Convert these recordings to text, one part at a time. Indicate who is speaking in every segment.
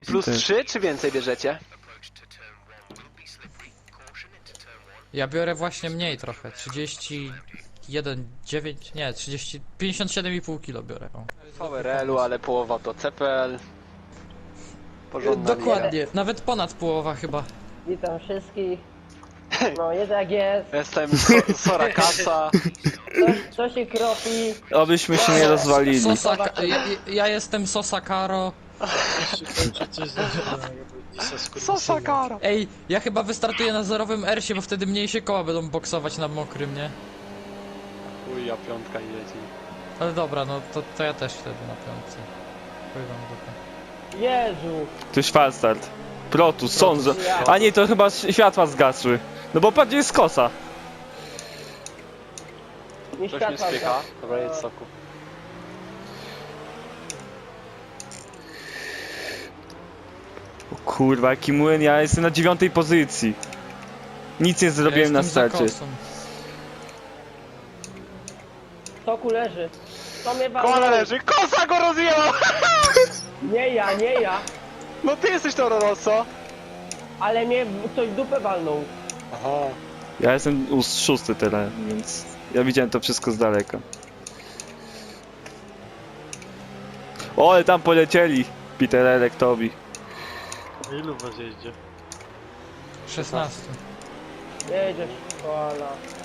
Speaker 1: Plus 3 czy więcej bierzecie?
Speaker 2: Ja biorę właśnie mniej trochę, 31,9, nie, 30, 57,5 kg biorę. O.
Speaker 1: VRL-u, ale połowa to CPL. Porządna liga.
Speaker 2: Dokładnie, nawet ponad połowa chyba.
Speaker 3: Witam wszystkich. No jest jak jest.
Speaker 1: Jestem Sorakasa.
Speaker 3: Co się kropi?
Speaker 4: Obyśmy się nie rozwalili.
Speaker 2: Ja jestem Sosakaro.
Speaker 1: Sosakara.
Speaker 2: Ej, ja chyba wystartuję na zerowym ersie, bo wtedy mniej się koła będą boksować na mokrym, nie?
Speaker 1: Uj, a piątka jedzie.
Speaker 2: Ale dobra, no to ja też wtedy na piątce. Pływam dupę.
Speaker 3: Jezu.
Speaker 4: To jest falstart. Protus, sądzę. A nie, to chyba światła zgasły. No bo patrz, jest kosa.
Speaker 3: Nie
Speaker 1: Coś mnie
Speaker 3: światła.
Speaker 1: spycha. Dobra, jedz soku.
Speaker 4: O kurwa, jaki młyn, ja jestem na 9. pozycji. Nic nie zrobiłem
Speaker 2: Ja
Speaker 4: na
Speaker 2: jestem za
Speaker 4: starcie.
Speaker 2: kosą.
Speaker 3: Soku leży. To mnie
Speaker 1: Kola
Speaker 3: walnął.
Speaker 1: leży, kosa go rozjęła!
Speaker 3: Nie ja, nie ja.
Speaker 1: No ty jesteś to Roroso.
Speaker 3: Ale mnie ktoś w dupę walnął.
Speaker 1: Aha.
Speaker 4: Ja jestem 6. teraz, więc ja widziałem to wszystko z daleka. O, ale tam polecieli. Peter Electowi.
Speaker 5: Ilu was jeździ?
Speaker 2: 16.
Speaker 3: Jedziesz, koala.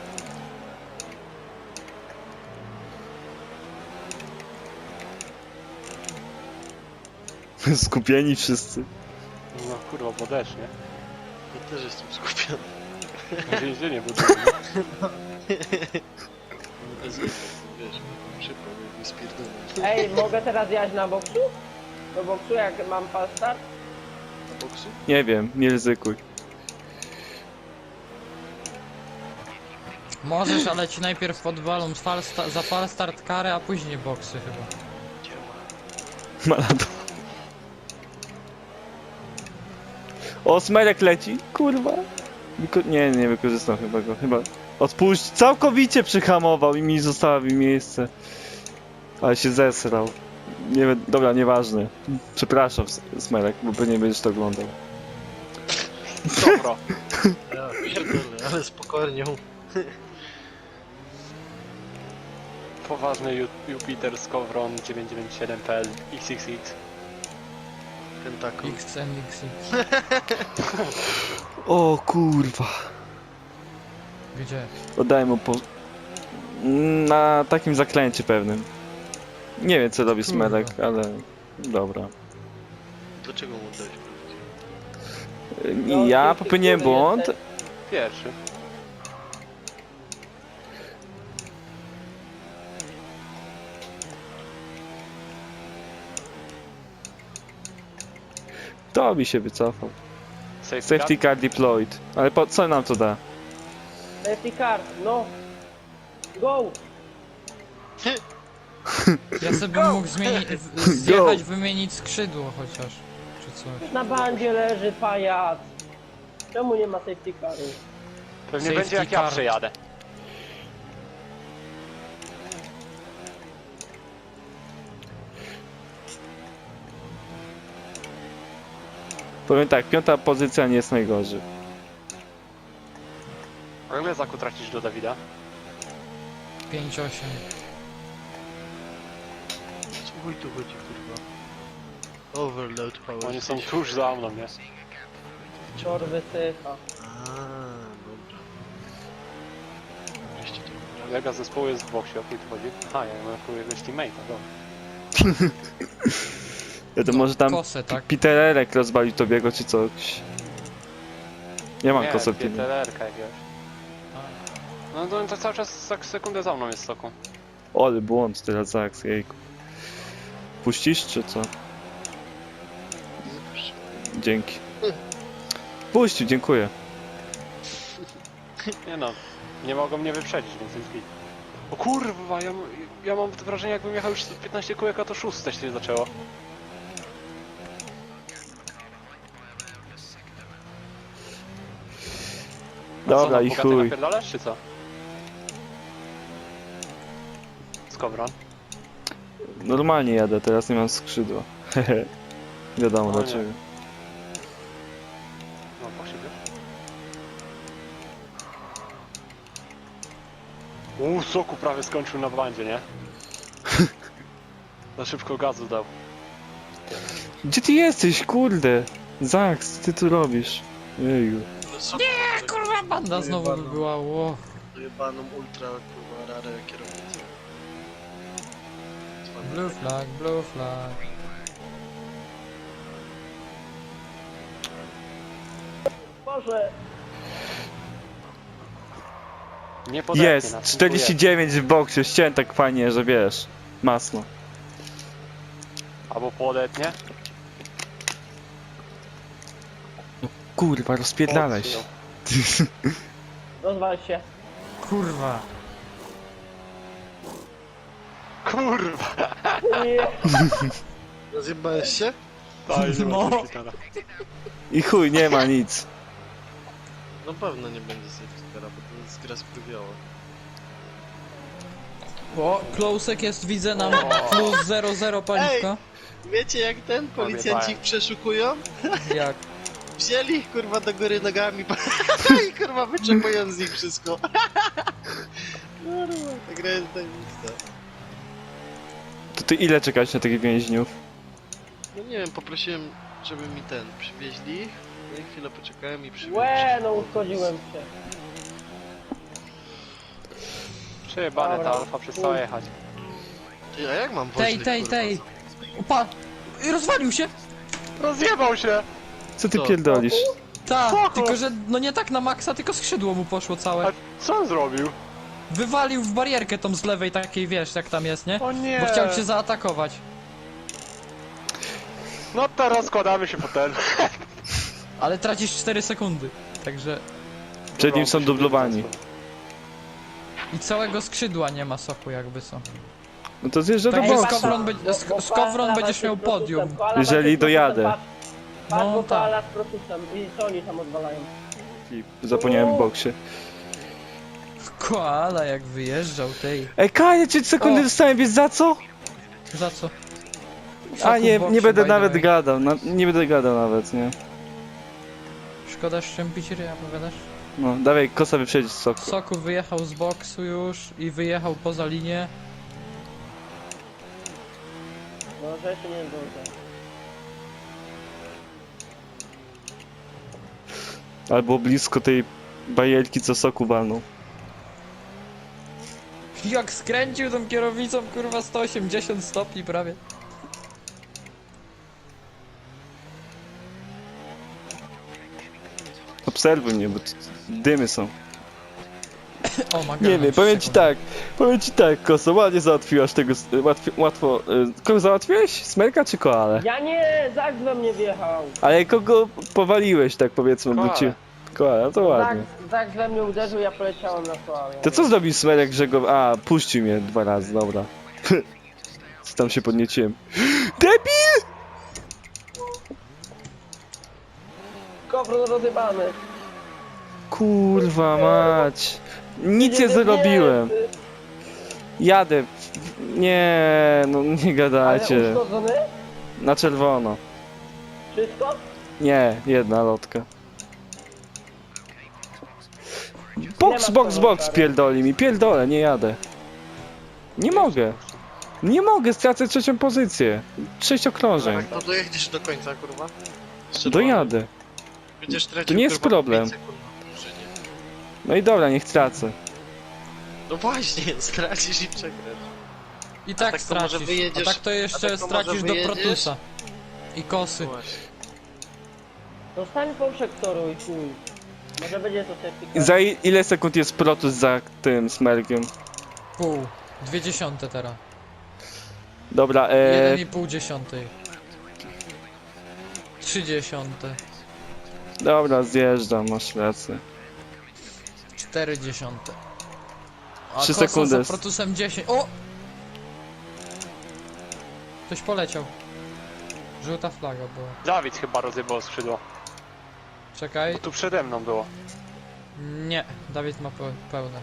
Speaker 4: Skupieni wszyscy.
Speaker 1: No kurwa, bo deszcz, nie?
Speaker 5: Ja też jestem skupiony.
Speaker 1: Więzienie było.
Speaker 5: No bez wiesz, szybko mnie spierdolę.
Speaker 3: Ej, mogę teraz jechać na boksu? Do boksu jak mam fast start?
Speaker 5: Na boksu?
Speaker 4: Nie wiem, nie ryzykuj.
Speaker 2: Możesz, ale ci najpierw podwalą za fal start karę, a później boksy chyba.
Speaker 5: Działa.
Speaker 4: Maladon. O, Smerek leci, kurwa. Nie wykorzystam chyba go, chyba. Odpuść, całkowicie przyhamował i mi zostawił miejsce. Ale się zesrał. Nie, dobra, nieważne. Przepraszam, Smerek, bo pewnie będziesz to oglądał.
Speaker 1: Dobro.
Speaker 5: Ja pierdolę, ale spokojnie.
Speaker 1: Poważny Jupiter Skowron 997PL XXX.
Speaker 5: Tentacle.
Speaker 2: XNX.
Speaker 4: O kurwa.
Speaker 2: Gdzie?
Speaker 4: Oddaję mu po... Na takim zaklęcie pewnym. Nie wiem co robi Smerek, ale... Dobra.
Speaker 5: Dlaczego mu oddać?
Speaker 3: No,
Speaker 4: Ja
Speaker 3: ty,
Speaker 4: popełniłem
Speaker 3: który
Speaker 4: błąd.
Speaker 3: jesteś?
Speaker 1: Pierwszy.
Speaker 4: To mi się wycofał.
Speaker 1: Safety
Speaker 4: Safety car deployed. Ale po co nam to da?
Speaker 3: Safety car, no. Go!
Speaker 2: Ja sobie bym mógł zmienić, zjechać, wymienić skrzydło chociaż, czy coś.
Speaker 3: Na bandzie leży pajac. Czemu nie ma safety caru?
Speaker 1: Pewnie
Speaker 2: Safety
Speaker 1: będzie jak ja
Speaker 2: car.
Speaker 1: przejadę.
Speaker 4: Powiem tak, 5. pozycja nie jest najgorzej.
Speaker 1: A ile zaku tracisz do Dawida?
Speaker 2: 5,8.
Speaker 5: Co mój tu chodzi, kurwa? Overload power.
Speaker 1: Oni są tuż za mną, nie?
Speaker 3: Czor wysycha.
Speaker 5: Dobra. Wreszcie to.
Speaker 1: Kolega z zespołu jest w boksie, o chuj tu chodzi? Aha, ja mam jako jakiegoś teammate'a, dobra.
Speaker 4: Ja to może tam
Speaker 2: Kosę, tak?
Speaker 4: Peter Erek rozwalił Tobiego czy coś. Ja mam
Speaker 1: Nie,
Speaker 4: kosę teamu.
Speaker 1: PTLR-ka jakiegoś. No to cały czas za sekundę za mną jest soku.
Speaker 4: Ole, błąd teraz za akcję, jejku. Puścisz czy co? Dzięki. Puścił, dziękuję.
Speaker 1: Nie no, nie mogą mnie wyprzedzić, więc jest git. O kurwa, ja mam wrażenie jakbym jechał już 15 kółek, a to 6 się zaczęło. A co,
Speaker 4: Dobra
Speaker 1: no,
Speaker 4: i
Speaker 1: bogaty
Speaker 4: chuj.
Speaker 1: napierdalasz, czy co? Skowron.
Speaker 4: Normalnie jadę, teraz nie mam skrzydła. Hehe. Wiadomo
Speaker 1: No nie.
Speaker 4: dlaczego.
Speaker 1: Soku prawie skończył na bandzie, nie? Za szybko gazu dał.
Speaker 4: Gdzie ty jesteś, kurde? Zax, co ty tu robisz? Jeju.
Speaker 2: Nie, kurwa, banda znowu by była, ło.
Speaker 5: Jebaną ultra, kurwa, rarę kierownicę.
Speaker 2: Blue flag, blue flag.
Speaker 3: Boże,
Speaker 1: Nie podepnie
Speaker 4: Jest,
Speaker 1: nas,
Speaker 4: 49 w boksie, ścięłem tak fajnie, że wiesz. Masno.
Speaker 1: albo podetnie.
Speaker 4: Kurwa, rozpierdalaj się.
Speaker 3: rozwal się.
Speaker 2: Kurwa.
Speaker 1: Kurwa!
Speaker 3: Nie.
Speaker 5: Rozjebałeś się?
Speaker 2: No.
Speaker 4: I chuj, nie ma nic.
Speaker 5: No pewno nie będzie safetyera, bo to jest gra sprówiała.
Speaker 2: O, Closek jest, widzę nam plus 0,0 paliwka.
Speaker 5: Wiecie jak ten policjanci ich przeszukują?
Speaker 2: Jak?
Speaker 5: Wzięli ich kurwa do góry nogami i kurwa wyczepują z nich wszystko. Kurwa, ta gra jest tajemnica.
Speaker 4: To ty ile czekać na tych więźniów?
Speaker 5: No nie wiem, poprosiłem, żeby mi ten przywieźli. No i chwilę poczekałem i przywieźli.
Speaker 3: Łe, no uszkodziłem się.
Speaker 1: Przejebane ta
Speaker 3: Dobra.
Speaker 1: alfa przestała jechać.
Speaker 5: Ty, a jak mam woźnych,
Speaker 2: Tej.
Speaker 5: kurwa?
Speaker 2: Opa! I rozwalił się!
Speaker 1: Rozjebał się!
Speaker 4: Co ty
Speaker 5: Co?
Speaker 4: pierdolisz?
Speaker 2: Ta,
Speaker 1: Spoko.
Speaker 2: tylko że no nie tak na maksa, tylko skrzydło mu poszło całe.
Speaker 1: A co on zrobił?
Speaker 2: Wywalił w barierkę tą z lewej takiej, wiesz, jak tam jest, nie?
Speaker 1: O nie!
Speaker 2: Bo chciał cię zaatakować.
Speaker 1: No to rozkładamy się po ten.
Speaker 2: Ale tracisz 4 sekundy. Także...
Speaker 4: Przed nim są dublowani.
Speaker 2: I całego skrzydła nie ma soku jakby co.
Speaker 4: No to zjeżdża do
Speaker 2: Także
Speaker 4: boksu.
Speaker 2: Skowron będziesz miał podium.
Speaker 4: Jeżeli dojadę.
Speaker 3: Patrz,
Speaker 2: No
Speaker 3: bo
Speaker 2: tak.
Speaker 3: koala z protusem. I co oni tam odwalają?
Speaker 4: Zapomniałem w boksie.
Speaker 2: Koala jak wyjeżdżał tej.
Speaker 4: Ej, Kaja, 3 sekundy
Speaker 2: O.
Speaker 4: dostałem, wiesz za co?
Speaker 2: Za co?
Speaker 4: A
Speaker 2: Soku
Speaker 4: nie,
Speaker 2: w boksie,
Speaker 4: nie będę
Speaker 2: by the
Speaker 4: nawet
Speaker 2: way.
Speaker 4: gadał, nie będę gadał nawet, nie?
Speaker 2: Szkoda szczępić ryja, powiadasz?
Speaker 4: No, dawaj, kosa wyprzedzić soku.
Speaker 2: Soku wyjechał z boksu już i wyjechał poza linię.
Speaker 3: No, że jeszcze nie zdążę.
Speaker 4: Albo blisko tej bajerki, co soku walnął.
Speaker 2: Jak skręcił tą kierownicą, kurwa 180 stopni prawie.
Speaker 4: Obserwuj mnie, bo dymy są.
Speaker 2: O, ma
Speaker 4: Nie wiem, powiem ci tak, Koso, ładnie załatwiłaś tego, łatwo, kogo załatwiłeś? Smerka czy koalę?
Speaker 3: Ja nie, Zak we mnie wjechał.
Speaker 4: Ale kogo powaliłeś, tak powiedzmy, bo
Speaker 1: Koalę.
Speaker 4: cię... Koala, to ładnie.
Speaker 3: Zak we mnie uderzył, ja poleciałem na koalę.
Speaker 4: To co zrobił Smerek, że go... A, puścił mnie 2 razy, dobra. Co tam się podnieciłem. Debil!
Speaker 3: Kowron rozjebany.
Speaker 4: Kurwa mać. Nic nie zrobiłem.
Speaker 3: ty.
Speaker 4: Jadę. Nie, no nie
Speaker 3: Ale
Speaker 4: gadajcie.
Speaker 3: uszkodzony?
Speaker 4: Na czerwono.
Speaker 3: Wszystko?
Speaker 4: Nie, jedna lotka. Box,
Speaker 3: ma
Speaker 4: box,
Speaker 3: co,
Speaker 4: box,
Speaker 3: stary.
Speaker 4: pierdoli mi, pierdolę, nie jadę. Nie mogę. Nie mogę, stracę 3. pozycję. 6 okrążeń.
Speaker 5: No dojedziesz do końca, kurwa. Jeszcze
Speaker 4: Dojadę.
Speaker 5: Będziesz tracił,
Speaker 4: To nie jest
Speaker 5: kurwa,
Speaker 4: problem.
Speaker 5: 5 sekund na dłużenie.
Speaker 4: No i dobra, niech tracę.
Speaker 5: No właśnie, stracisz i przegrasz.
Speaker 2: I tak,
Speaker 5: tak to może
Speaker 2: stracisz.
Speaker 5: wyjedziesz-
Speaker 2: A tak to jeszcze
Speaker 5: a tak to może
Speaker 2: stracisz do
Speaker 5: wyjedziesz?
Speaker 2: Protusa. I kosy.
Speaker 5: Właśnie.
Speaker 3: No stań po przektoru i chuj. Może będzie to safety car.
Speaker 4: Za ile sekund jest Protus za tym Smerkiem?
Speaker 2: Pół. 0,2 teraz.
Speaker 4: Dobra,
Speaker 2: 1,5 dziesiątej. 0,3.
Speaker 4: dobra, zjeżdżam, masz rację.
Speaker 2: 0,4. A
Speaker 4: 3
Speaker 2: Kosa
Speaker 4: sekundy.
Speaker 2: za Protusem 10. O! Ktoś poleciał. Żółta flaga była.
Speaker 1: Dawid chyba rozjebał skrzydło.
Speaker 2: Czekaj.
Speaker 1: Tu przede mną było.
Speaker 2: Nie, Dawid ma pełne.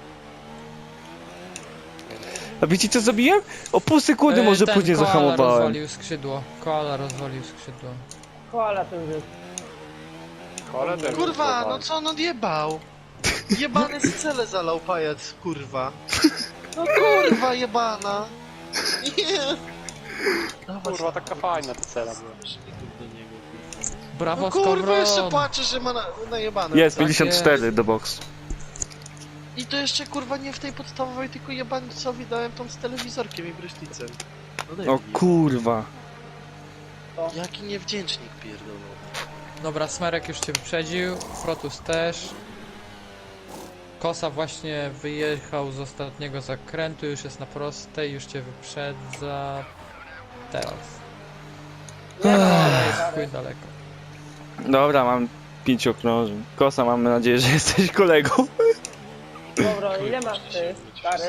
Speaker 4: A wiecie co zrobiłem? O pół sekundy może
Speaker 2: Ten
Speaker 4: później
Speaker 2: koala
Speaker 4: zahamowałem.
Speaker 2: rozwalił skrzydło. Koala rozwalił skrzydło.
Speaker 3: Koala ten jest.
Speaker 1: Ale ten
Speaker 5: Kurwa,
Speaker 1: rozjebał.
Speaker 5: no co on odjebał? Jebany scelę zalał pajac, kurwa. No kurwa jebana. Nie.
Speaker 1: Kurwa, taka fajna ta cela była.
Speaker 5: Do niego, kurwa.
Speaker 2: Brawo,
Speaker 5: No kurwa, jeszcze
Speaker 2: Skowron!
Speaker 5: płacze, że ma najebane.
Speaker 4: Jest,
Speaker 2: Tak
Speaker 4: 54 do box.
Speaker 5: I to jeszcze kurwa nie w tej podstawowej, tylko jebańcowi dałem tą z telewizorkiem i brysznicem. No
Speaker 4: O
Speaker 5: debil.
Speaker 4: kurwa.
Speaker 5: Jaki niewdzięcznik pierdolony.
Speaker 2: Dobra, Smerek już cię wyprzedził, Frotus też. Kosa właśnie wyjechał z ostatniego zakrętu, już jest na prostej, już cię wyprzedza. Teraz. Ale jest chuj daleko.
Speaker 4: Dobra, mam 5 okrążeń. Kosa, mamy nadzieję, że jesteś kolegą.
Speaker 3: Dobra, ile masz ty, stary?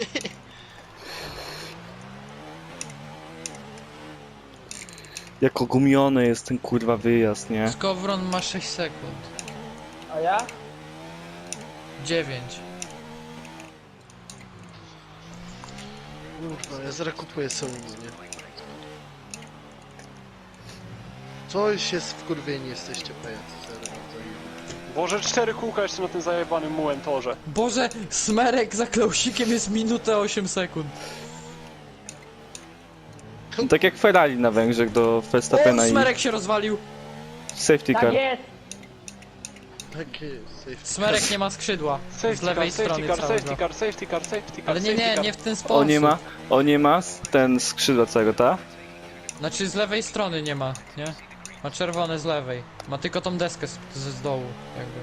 Speaker 4: Jak ogumiony jest ten kurwa wyjazd, nie?
Speaker 2: Skowron ma 6 sekund.
Speaker 3: A ja?
Speaker 2: 9.
Speaker 5: Kurwa, ja zaraz kupuję sobie nie? Coś jest wkurwieni jesteście pajacy, zaraz zajebę.
Speaker 1: Boże, 4 kółka jeszcze na tym zajebanym mułem torze.
Speaker 2: Boże, Smerek za klausikiem jest minutę 8 sekund.
Speaker 4: Tak jak Ferrari na Węgrzech do
Speaker 2: O,
Speaker 4: Verstappena i
Speaker 2: Smerek się rozwalił.
Speaker 4: safety
Speaker 3: Tak
Speaker 4: car.
Speaker 3: jest!
Speaker 5: Tak jest, safety.
Speaker 2: Smerek nie ma skrzydła. Z
Speaker 1: Safety
Speaker 2: lewej
Speaker 1: car, safety
Speaker 2: strony
Speaker 1: car,
Speaker 2: całego.
Speaker 1: safety car, safety car, safety car,
Speaker 2: Ale nie,
Speaker 1: safety
Speaker 2: nie,
Speaker 1: car.
Speaker 2: nie w ten sposób.
Speaker 4: On nie ma ten skrzydła całego, ta?
Speaker 2: Znaczy z lewej strony nie ma, nie? Ma czerwone z lewej. Ma tylko tą deskę z dołu, jakby.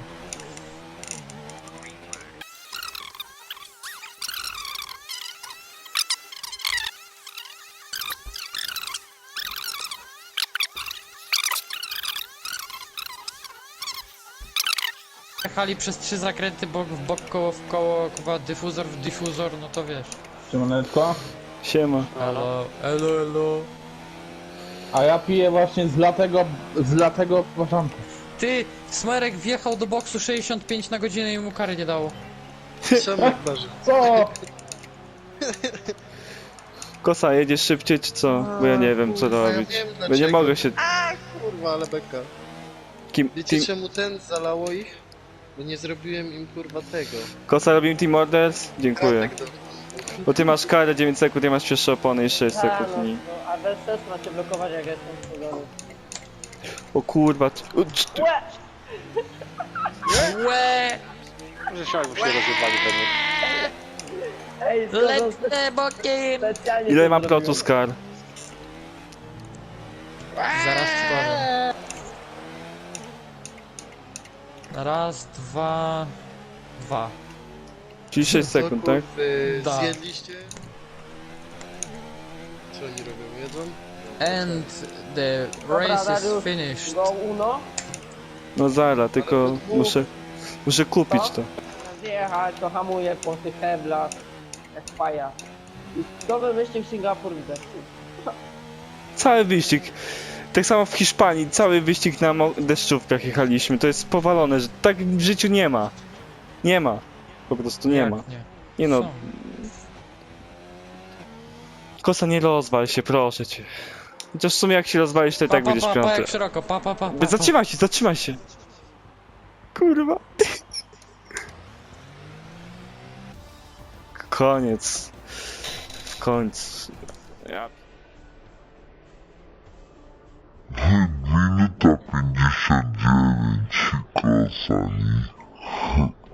Speaker 2: Jechali przez 3 zakręty bok w bok, koło w koło, kurwa, dyfuzor w dyfuzor, no to wiesz.
Speaker 6: Siemaneczko.
Speaker 4: Siema.
Speaker 2: Elo, elo, elo.
Speaker 6: A ja piję właśnie z latego początku.
Speaker 2: Ty, Smerek wjechał do boksu 65 na godzinę i mu kary nie dało.
Speaker 5: Czemu waży?
Speaker 6: Co?
Speaker 4: Kosa, jedziesz szybciej czy co? Bo ja nie wiem co
Speaker 5: Kurwa, ja
Speaker 4: robić.
Speaker 5: wiem
Speaker 4: Bo nie
Speaker 5: dlaczego.
Speaker 4: mogę się...
Speaker 5: Kurwa, ale beka.
Speaker 4: Kim...
Speaker 5: Wiecie
Speaker 4: Team...
Speaker 5: czemu ten zalało ich? Bo nie zrobiłem im kurwa tego.
Speaker 4: Kosa, robimy team orders? Dziękuję.
Speaker 5: Kratek do...
Speaker 4: Bo ty masz karę 9 sekund, ja masz pierwsze opony i 6
Speaker 3: A,
Speaker 4: sekund.
Speaker 3: no,
Speaker 4: I...
Speaker 3: no, a bez sensu macie blokować jak jestem wchodzony.
Speaker 4: O kurwa.
Speaker 3: Łe!
Speaker 2: Łe!
Speaker 1: Że się jakby się rozjebali pewnie.
Speaker 3: Ej, Skowron,
Speaker 2: Lecę bokiem!
Speaker 3: specjalnie
Speaker 4: Ile
Speaker 3: to
Speaker 4: mam
Speaker 3: zrobiłem.
Speaker 4: protus kar?
Speaker 2: Zaraz ci powiem. Raz, dwa... Dwa.
Speaker 4: Czyli 6 sekund, tak?
Speaker 2: Da.
Speaker 5: Zjedliście? Co oni robią? Jedzą?
Speaker 2: And the
Speaker 3: Dobra,
Speaker 2: race is
Speaker 3: Dariusz,
Speaker 2: finished.
Speaker 3: Go Uno,
Speaker 4: No zara, tylko muszę kupić to.
Speaker 3: zjechać, to hamuje po tych heblach, jak paja. I nowy wyścig Singapur widzę.
Speaker 4: Cały wyścig. Tak samo w Hiszpanii, cały wyścig na deszczówkach jechaliśmy. To jest powalone, że tak w życiu nie ma. Nie ma. Po prostu nie
Speaker 2: Jak
Speaker 4: ma.
Speaker 2: Nie.
Speaker 4: Nie no,
Speaker 2: Są.
Speaker 4: Kosa, nie rozwal się, proszę cię. Chociaż w sumie jak się rozwalisz, to i tak
Speaker 2: Pa,
Speaker 4: będziesz
Speaker 2: pa,
Speaker 4: piąty.
Speaker 2: jak szeroko, pa.
Speaker 4: Zatrzymaj się. Kurwa. Koniec. W końcu. Ja...
Speaker 7: Minuta 59 i Kosa, nie?